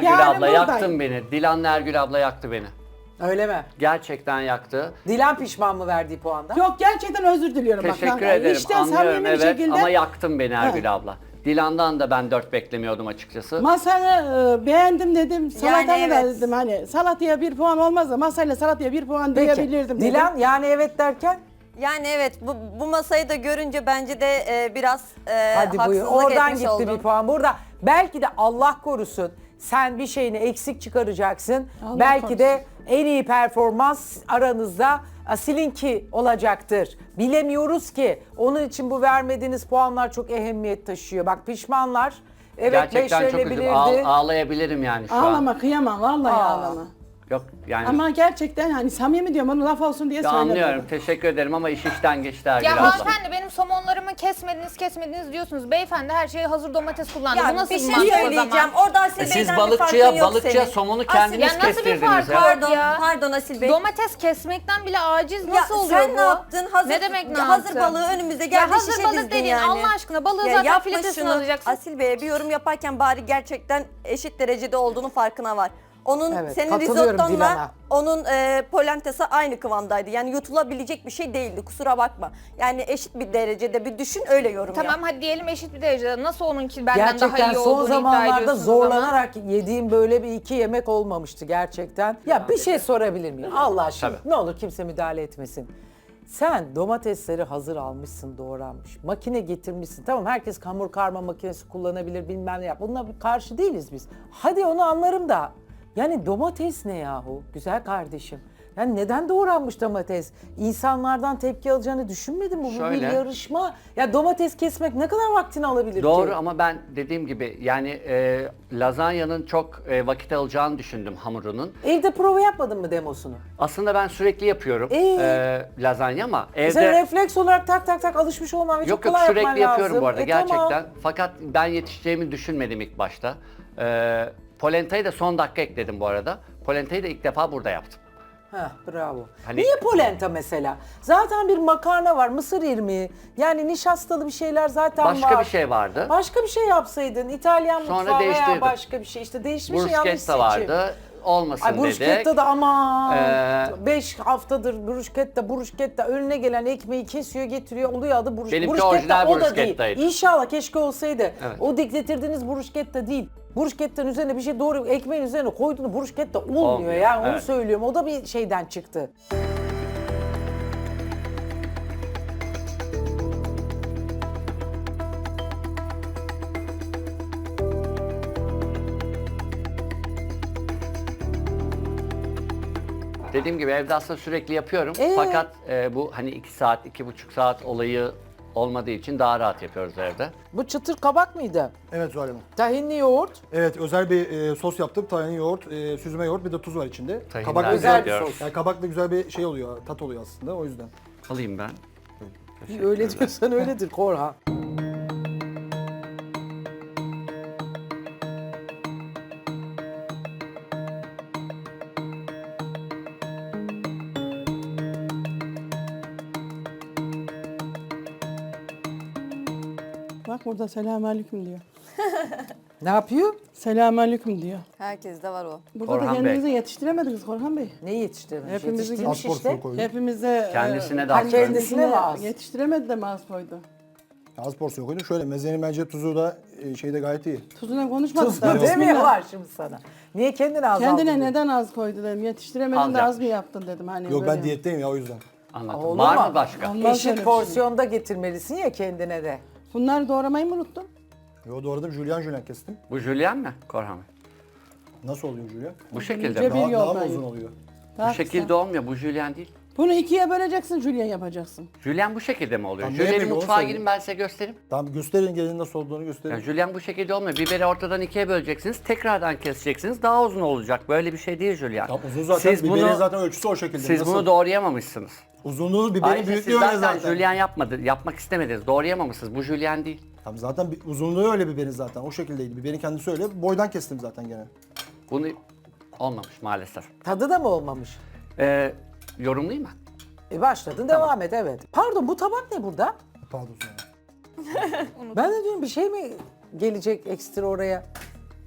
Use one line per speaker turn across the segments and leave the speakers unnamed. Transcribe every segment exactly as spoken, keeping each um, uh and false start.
Ergül
Yani
abla
buradayım.
yaktın beni. Dilan'la Ergül abla yaktı beni.
Öyle mi?
Gerçekten yaktı.
Dilan pişman mı verdiği puandan?
Yok gerçekten özür diliyorum. bak.
Teşekkür
Yani
ederim.
içten
Anlıyorum
samimi bir
evet
şekilde
ama yaktın beni Ergül
Evet.
abla. Dilan'dan da ben dört beklemiyordum açıkçası.
masanı e, beğendim dedim. Salatanı da
evet.
dedim hani salataya bir puan olmaz da masayla salataya bir puan
Peki.
diyebilirdim dedim.
Dilan yani evet derken?
Yani evet bu, bu masayı da görünce bence de e, biraz e,
Hadi buyur.
haksızlık
Oradan
etmiş
gitti
oldum.
bir puan. Burada belki de Allah korusun sen bir şeyini eksik çıkaracaksın.
Allah
belki
korusun.
de en iyi performans aranızda sizinki olacaktır. Bilemiyoruz ki. Onun için bu vermediğiniz puanlar çok ehemmiyet taşıyor. Bak pişmanlar. Evet
Gerçekten çok üzüldüm.
beşlenebilirdi.
Ağ- ağlayabilirim yani şu an.
Ağlama kıyamam vallahi
Aa.
ağlama.
Yok yani.
Ama gerçekten hani samimi diyorum onu laf olsun diye
Ya
söylemedim.
anlıyorum. Teşekkür ederim ama iş işten geçti Ergül
Ya
abla.
hanımefendi benim somonlarımı kesmediniz kesmediniz diyorsunuz. Beyefendi her şeye hazır domates kullandı.
Ya
Bu nasıl
bir şey
mantık o
söyleyeceğim.
zaman?
Orada Asil
E siz
Bey'den bir farkın
balıkçıya,
yok
balıkçıya
senin.
somonu
Asil,
kendiniz
ya nasıl bir
kestirdiniz
fark
ya.
var?
Pardon,
ya.
pardon Asil Bey.
Domates kesmekten bile aciz
Ya
nasıl oluyor
sen
bu?
ne yaptın? Hazır,
ne demek ne
ya hazır
yaptın?
balığı önümüzde
Ya
geldi
hazır
şişe
balık
dizdin
dediğin
yani.
Allah aşkına balığı
Ya
zaten
yapma
filetesini
şunu.
alacaksın.
Asil Bey'e bir yorum yaparken bari gerçekten eşit derecede olduğunu farkına var. Onun
Evet,
senin
katılıyorum
risottonla
Dilan'a.
onun e, polentesi aynı kıvamdaydı. Yani yutulabilecek bir şey değildi. Kusura bakma. Yani eşit bir derecede bir düşün öyle yorum yap.
Tamam hadi diyelim eşit bir derecede. Nasıl onunki benden daha
Gerçekten
iyi
son
olduğunu iddia
zamanlarda
ediyorsunuz ama?
zorlanarak yediğim böyle bir iki yemek olmamıştı gerçekten. Ya bir şey sorabilir miyim? Allah aşkına
Tabii.
ne olur kimse müdahale etmesin. Sen domatesleri hazır almışsın, doğranmış. Makine getirmişsin. Tamam herkes hamur karma makinesi kullanabilir bilmem ne yap. Bununla karşı değiliz biz. Hadi onu anlarım da. Yani domates ne yahu? Güzel kardeşim. Yani neden doğranmış domates? İnsanlardan tepki alacağını düşünmedin mi? Bu bir
Şöyle.
yarışma. Ya domates kesmek ne kadar vaktini alabilir ki?
Doğru ama ben dediğim gibi yani e, lazanyanın çok e, vakit alacağını düşündüm hamurunun.
Evde prova yapmadın mı demosunu?
Aslında ben sürekli yapıyorum
Ee?
e, lazanya ama evde...
Sen refleks olarak tak tak tak alışmış olman ve çok
Yok yok
kolay yapman
sürekli yapıyorum
lazım.
bu arada
E,
gerçekten.
tamam.
Fakat ben yetişeceğimi düşünmedim ilk başta. E, polentayı da son dakika ekledim bu arada. Polentayı da ilk defa burada yaptım.
Heh, bravo.
Hani-
Niye polenta mesela? Zaten bir makarna var, mısır irmiği. Yani nişastalı bir şeyler zaten var.
Başka bir şey vardı.
Başka bir şey yapsaydın. İtalyan
Sonra
mutfağı veya
değiştirdim.
başka bir şey. İşte değişmiş yanlış seçim.
Bruschetta vardı. Olmasın
Ay
dedik.
bruschetta da aman
Ee,
beş haftadır bruschetta bruschetta önüne gelen ekmeği kesiyor getiriyor oluyor adı brusch
Benimki
bruschetta
orijinal
o da değil.
bruschettaydı.
İnşallah keşke olsaydı.
Evet.
O getirdiğiniz bruschetta değil. Bruschetta'nın üzerine bir şey doğru ekmeğin üzerine koyduğunu bruschetta olmuyor,
Olmuyor,
yani onu
evet.
söylüyorum. O da bir şeyden çıktı.
Dediğim gibi evde aslında sürekli yapıyorum.
Ee?
Fakat e, bu hani iki saat, iki buçuk saat olayı olmadığı için daha rahat yapıyoruz evde.
Bu çıtır kabak mıydı?
Evet Zuhal Hanım.
Tahinli yoğurt.
Evet özel bir e, sos yaptım. Tahin yoğurt, e, süzme yoğurt bir de tuz var içinde.
Tahinler
Kabakla
Özel
güzel
bir
diyor.
sos.
Yani kabakla güzel bir şey oluyor, tat oluyor aslında o yüzden.
Alayım ben.
Öyle diyorsan öyledir Korhan.
Bak burada selamünaleyküm diyor.
Ne yapıyor?
Selamünaleyküm diyor.
Herkes de var o.
Burada
Korhan
da kendinizi
Bey.
yetiştiremediniz Korhan Bey.
Ne yetiştirmiş?
Hepimizi
Yetiştirmiş
Az porsiyon
işte.
koydum.
Hepimize
Kendisine
e,
de az
kendisine
kendisine
mi az?
Yetiştiremedi de mi az koydu?
Az porsiyon koydum. Şöyle mezenin bence tuzu da e, şeyde gayet iyi.
Tuzuna konuşmadık
Tuzla
da.
demiyorlar şimdi sana. Niye kendini azaldın?
Kendine neden az koydu dedim. Yetiştiremedin
Az
de az
yapmış.
mı yaptın dedim. Hani
Yok
böyle.
ben diyetteyim ya o yüzden.
Anladım.
Olur
Var
mu?
mı başka?
Olmaz öyle bir
Eşit
şey.
porsiyonda getirmelisin ya kendine de.
Bunları doğramayı mı unuttun?
Yo doğradım jülyen jülyen kestim.
Bu jülyen mi Korhan Bey?
Nasıl oluyor jülyen?
Bu şekilde
ince
mi?
bir
Daha, daha mı
yoldayım.
uzun oluyor?
Daha
Bu şekilde
kısa.
olmuyor. Bu jülyen değil.
Bunu ikiye böleceksin, jülyen yapacaksın.
Jülyen bu şekilde mi oluyor?
Tamam, ne
Jülyenin
yapayım, onu
mutfağa
söyle.
girin ben size göstereyim.
Tamam gösterin gelin nasıl olduğunu gösterin.
Yani jülyen bu şekilde olmuyor. Biberi ortadan ikiye böleceksiniz. Tekrardan keseceksiniz. Daha uzun olacak. Böyle bir şey değil jülyen.
Tamam, uzun zaten
Siz
biberin
bunu,
zaten ölçüsü o şekilde.
siz
Nasıl?
bunu doğrayamamışsınız.
Uzunluğu biberin
Ayrıca
büyüklüğü
siz
öyle
zaten
zaten.
jülyen yapmadı, yapmak istemediniz. Doğrayamamışsınız. Bu jülyen değil.
Tamam zaten bir- uzunluğu öyle biberin zaten o şekildeydi. Biberin kendisi öyle. Boydan kestim zaten gene.
Bunu olmamış maalesef.
Tadı da mı olmamış?
Ee, yorumlayayım mı?
E başladın devam et evet. Pardon bu tabak ne burada?
Pardon sonra.
Ben de diyorum bir şey mi gelecek ekstra oraya?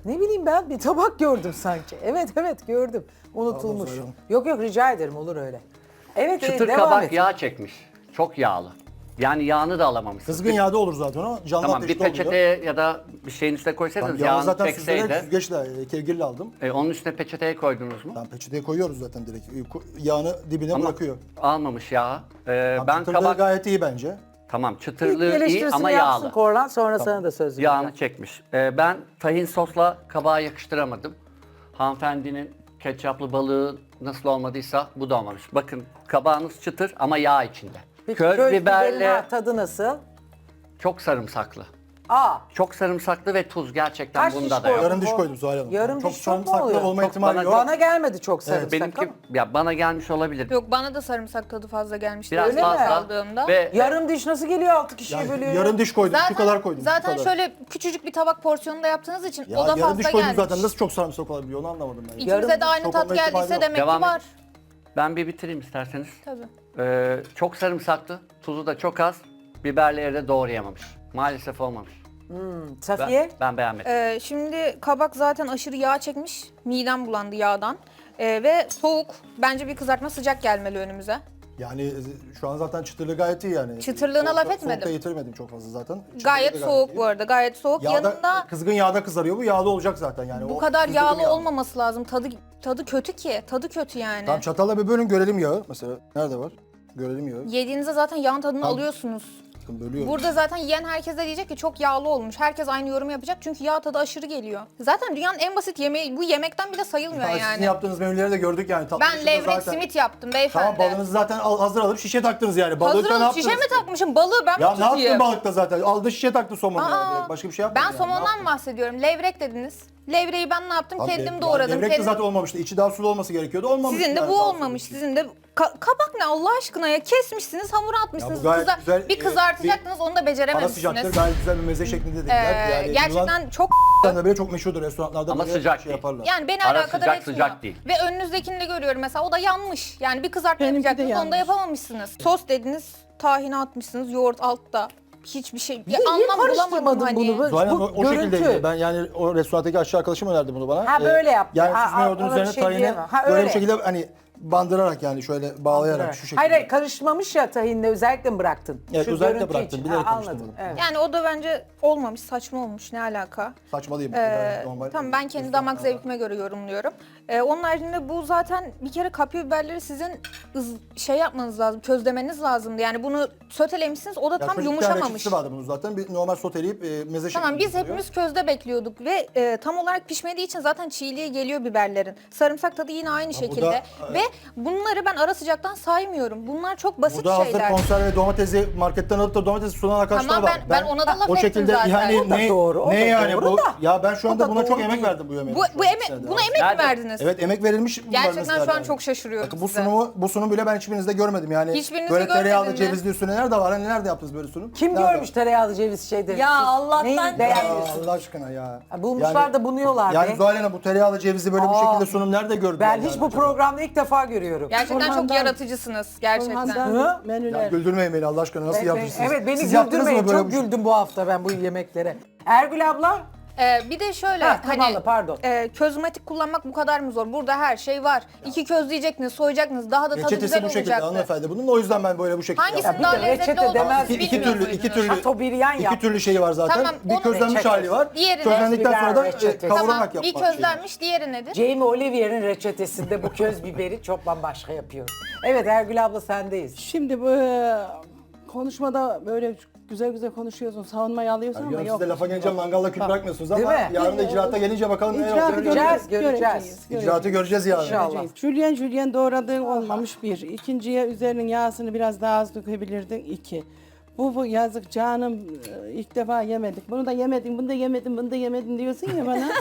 Ne bileyim ben bir tabak gördüm sanki. Evet evet gördüm. Unutulmuş.
Pardon, Zuhal
Yok yok rica ederim olur öyle. Evet
Çıtır
e, devam
kabak
et.
yağ çekmiş. Çok yağlı. Yani yağını da alamamışsınız.
Kızgın yağda olur zaten o. Canlı
Tamam bir
ateşte oluyor.
peçeteye ya da bir şeyin üstüne koysaydınız
Ben yağı
yağını
zaten süzerek
çekseydi.
süzgeçle, e, kevgirle aldım.
E, onun üstüne peçeteye koydunuz mu?
Ben peçeteye koyuyoruz zaten direkt. E, ko- Yağını dibine
Ama
bırakıyor.
almamış yağı. E,
Ben
ben
Çıtırlığı
kabak
gayet iyi bence.
tamam
İlk
çıtırlığı iyi
eleştirisini
ama
yapsın
yağlı.
Korlan sonra sana da söz vereceğim.
Yağını çekmiş. E, ben tahin sosla kabağa yakıştıramadım. Hanımefendinin ketçaplı balığı nasıl olmadıysa bu da olmamış. Bakın kabağınız çıtır ama yağ içinde.
Peki,
Köz
köz biberin
biberle
ha, tadı nasıl?
çok sarımsaklı.
Aa,
Çok sarımsaklı ve tuz gerçekten
Kaç
bunda
diş
da yok.
koydun?
Yarım diş koydum Zuhal Hanım.
Yarım
çok
diş çok mu
sarımsaklı
oluyor?
olma
Çok
ihtimali
bana-
yok.
bana gelmedi çok sarımsak
Benimki
ama.
ya bana gelmiş olabilir.
Yok bana da sarımsak tadı fazla gelmişti.
Biraz
Öyle mi?
fazla
aldığımda.
ve
Yarım diş nasıl geliyor altı kişiye
Yani
bölüyor?
yarım diş koydum.
Zaten,
şu kadar koydum. şu
zaten
kadar.
şöyle küçücük bir tabak porsiyonunda yaptığınız için
Ya
o da
yarım
fazla
diş koydum
gelmiş.
zaten. Nasıl çok sarımsak olabiliyor onu anlamadım ben.
Yarım
İkimize de aynı
çok
tat
olma ihtimali
geldiyse
yok.
demek
Devam
ki
et.
var.
ben bir bitireyim isterseniz.
Tabii.
Ee, çok sarımsaklı, tuzu da çok az. Biberleri de doğrayamamış. Maalesef olmamış. Ben,
Safiye?
ben beğenmedim.
Ee, şimdi kabak zaten aşırı yağ çekmiş. Midem bulandı yağdan. Ee, ve soğuk. Bence bir kızartma sıcak gelmeli önümüze.
Yani e, şu an zaten çıtırlığı gayet iyi yani.
Çıtırlığına
Soğukta-
laf etmedim.
Soğukta yitirmedim çok fazla zaten. Çıtırlığı
Gayet
da
soğuk
iyi.
bu arada. Gayet soğuk.
Yağda,
Yanında
kızgın yağda kızarıyor bu yağda olacak zaten yani.
bu
O
kadar
kızdırdım
yağlı
yağı.
olmaması lazım. Tadı tadı kötü ki. Tadı kötü yani.
Tamam çatalla bir bölün görelim yağı mesela. Nerede var? Görelim yağı.
Yediğinizde zaten yağın tadını
Tamam.
alıyorsunuz.
Bakın bölüyorum.
Burada zaten yiyen herkes de diyecek ki çok yağlı olmuş. Herkes aynı yorum yapacak çünkü yağ tadı aşırı geliyor. Zaten dünyanın en basit yemeği bu yemekten bile sayılmıyor
Ha, Sizin
yani.
yaptığınız menüleri de gördük yani. Tatlı
Ben
dışında
levrek
zaten-
simit yaptım beyefendi.
Tamam balığınızı zaten al- hazır alıp şişe taktınız yani. Balığı
Hazır
ne
alıp
yaptınız?
şişe mi takmışım? Balığı ben
Ya
mi
ne yaptın
tutayım?
balıkta zaten? Aldı şişe taktı somonu yani.
Aa,
direkt. Başka bir şey yapmadın
Ben
yani. Ne
somondan
yaptın?
bahsediyorum. Levrek dediniz. Levreği ben ne yaptım?
Abi,
Kendim
ya
doğradım.
Levrek de
Kendim...
zaten olmamıştı. İçi daha sulu olması gerekiyordu. Olmamış.
Sizin de
yani
bu
daha
olmamış.
sulu.
Sizin de ka- kabak ne Allah aşkına ya? Kesmişsiniz, hamura atmışsınız.
Ya bu gayet
Kıza-
güzel,
bir
e,
kızartacaktınız, onu da
Ara
becerememişsiniz.
sıcaktır. Gayet güzel bir meze şeklinde
Ee,
dediler. yani
gerçekten çok
Yunanistan'da bile çok meşhurdur restoranlarda.
Ama
böyle
sıcak
şey
değil.
yaparlar.
yani beni
Ara
alakadar
sıcak,
etmiyor.
sıcak değil.
Ve önünüzdekini de görüyorum mesela o da yanmış. Yani bir kızartma
Benimki de
yapacaktınız onu da
yanmış.
yapamamışsınız. Sos dediniz, tahini atmışsınız, yoğurt altta. Hiçbir şey, bir
Niye- niye
anlam bulamadım
karıştırmadın
hani.
bunu?
Zuhal Hanım
Bu
o, o
görüntü.
şekildeydi. Ben yani o restorandaki aşağı arkadaşım önerdi bunu bana.
Ha, böyle yaptı.
Yani
Ha,
süzme
ha,
yoğurdun
ona bir
üzerine
şey
tahini
diyemem. Ha,
böyle
öyle.
bir şekilde hani bandırarak yani şöyle bağlayarak şu şekilde.
Hayır hayır karışmamış ya tahinle özellikle mi bıraktın?
Evet, özellikle
görüntü
bıraktım,
için.
bilerek
Ha, anladım.
karıştırmadım.
Evet.
Yani o da bence olmamış, saçma olmuş. Ne alaka?
Saçma değil mi?
Ee,
Normal.
tamam ben kendi damak zevkime göre yorumluyorum. Ee, onun haricinde bu zaten bir kere kapya biberleri sizin ız- şey yapmanız lazım, közlemeniz lazımdı. Yani bunu sötelemişsiniz o da
Ya
tam
çocukken
yumuşamamış.
reçetesi vardı bunun zaten. Bir normal soteleyip e, meze
Tamam
şeklinde
biz
yapılıyor.
hepimiz közde bekliyorduk ve e, tam olarak pişmediği için zaten çiğliğe geliyor biberlerin. Sarımsak tadı yine aynı şekilde.
da,
Ve bunları ben ara sıcaktan saymıyorum. Bunlar çok basit
Burada hazır
şeyler.
konserve domatesi marketten alıp da domatesi sunan arkadaşlar
Tamam,
var.
ben- ben ona da laf
o
ettim
şekilde
zaten.
yani
O da
ne,
doğru, o
ne
da
yani
doğru
bu?
da.
Ya ben şu
O
anda
da
buna çok
doğru
emek
değil.
verdim bu yemeğe.
Bu, bu eme
Şu an
buna
içeride.
emek mi
Nerede?
verdiniz?
Evet emek verilmiş. bunlar
Gerçekten
mesela
şu an
yani.
çok şaşırıyorum
Bakın bu
size.
sunumu, bu sunum bile ben hiçbirinizde görmedim yani.
Hiçbirinizde
böyle tereyağlı
görmedin mi?
cevizli üstüne nerede var? Hani nerede yaptınız böyle sunum?
Kim
Nerede?
görmüş tereyağlı ceviz şeyleri?
Ya
Siz
Allah'tan-
neyi
Ya
beğenmiyorsunuz?
Allah aşkına ya.
Ha, bulmuşlar da bunuyorlar
Yani
be.
Zuhal Hanım bu tereyağlı cevizi böyle bu
Aa.
şekilde sunum nerede gördün?
Ben
yani
hiç bu
acaba?
programda ilk defa görüyorum.
Gerçekten çok
Orhan'dan-
yaratıcısınız gerçekten.
Orhan'dan
Hı?
menüler.
Ya güldürmeyin beni Allah aşkına nasıl
Ben-
yapmışsınız?
Evet beni
Siz yaptınız mı
güldürmeyin.
böyle
Çok
bir şey?
güldüm bu hafta ben bu yemeklere. Ergül abla.
Ee, bir de şöyle
Ha,
hani
Kamanlı, pardon.
e, közmatik kullanmak bu kadar mı zor? Burada her şey var. İki közleyeceksiniz, soyacaksınız. Daha da tadı
Reçetesi
güzel
bu şekilde
olacaktı.
hanımefendi bunun o yüzden ben böyle bu şekilde
Hangisinin
yaptım.
daha
bir de
lezzetli
reçete
olduğunu
demez.
siz
İki, iki
bilmiyor
türlü, iki
muydunuz?
türlü,
Şatobriyan
iki
yap.
türlü şey var zaten.
Tamam,
bir
onu-
közlenmiş
Reçetesi.
hali var.
Diğeri de-
Közlendikten sonra da e,
Reçetesi.
kavurarak
Tamam,
yapmak.
bir közlenmiş, diğeri nedir?
Jamie Olivier'in reçetesinde bu köz biberi çok bambaşka yapıyor. Evet Ergül abla sendeyiz.
Şimdi bu e, konuşmada böyle güzel güzel konuşuyorsun, savunmayı alıyorsun ama
Yani
yok.
siz de lafa gelince mangalla kül
Bak,
bırakmıyorsunuz
Değil
ama
mi?
yarın da icraata gelince bakalım ne
İcraatı
olacak.
göreceğiz,
göreceğiz,
göreceğiz.
göreceğiz.
İcraatı göreceğiz yarın.
İnşallah.
Göreceğiz. Jülyen jülyen doğradığın olmamış bir. İkinciye üzerinin yağsını biraz daha az dökebilirdin iki. Bu, bu yazık canım e, ilk defa yemedik. Bunu da yemedim, bunu da yemedim, bunu da yemedim diyorsun ya bana.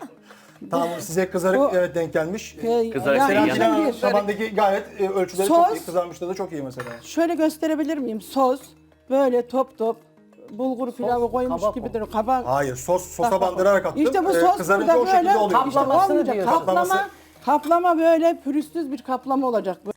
Tamam size kızarık
O-
evet denk gelmiş.
E,
Kızarık
ya,
değil
Seren
yani.
Dilan Hanım
bir.
tabandaki gayet e, ölçüleri
Sos.
çok iyi. Kızarmışlığı da çok iyi mesela.
Şöyle gösterebilir miyim? Sos böyle top top bulgur pilavı koymuş
kabak
gibi
o.
duruyor. Kabak.
Hayır sos sosa
Bak, bak, bak.
bandırarak attım.
İşte bu
Ee,
sos
kızarınca
burada
o şekilde
böyle
oluyor.
kaplaması
olmayacak.
diyorsun.
Kaplama, kaplama böyle pürüzsüz bir kaplama olacak.